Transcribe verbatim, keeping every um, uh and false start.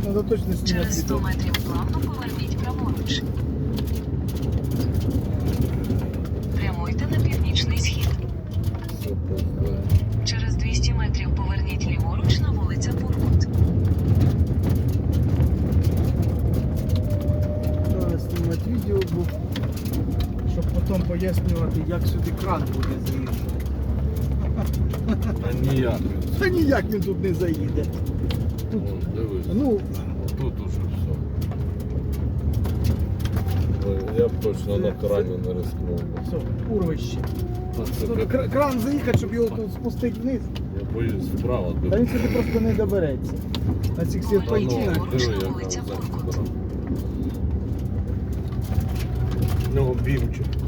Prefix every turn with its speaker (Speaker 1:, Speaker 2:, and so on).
Speaker 1: Надо точно снимать
Speaker 2: Через сто
Speaker 1: видео.
Speaker 2: метрів плавно поверніть праворуч. Прямуйте на північний схід.
Speaker 3: Все познаю.
Speaker 2: Через двісті метрів поверніть ліворуч на вулиця Буркут.
Speaker 1: Треба знімати відео, бо щоб потім пояснювати, як сюди кран буде заїжджати.
Speaker 3: А ніяк.
Speaker 1: Та ніяк він тут не заїде. Тут,
Speaker 3: Вон, дивись.
Speaker 1: ну,
Speaker 3: Тут уже все. Ой, я б точно на крані не рискнув.
Speaker 1: все, урвище.
Speaker 3: Та це
Speaker 1: Тут
Speaker 3: капець.
Speaker 1: кра- кран заїхати, щоб його тут спустити вниз.
Speaker 3: Я боюсь вправо.
Speaker 1: Та він сюди просто не добереться. На цих
Speaker 3: Та ну,
Speaker 1: серпантинах.
Speaker 3: диви, яка
Speaker 2: Вулиця
Speaker 3: взагалі
Speaker 2: Буркут.
Speaker 3: дорога. Ну, бімчик.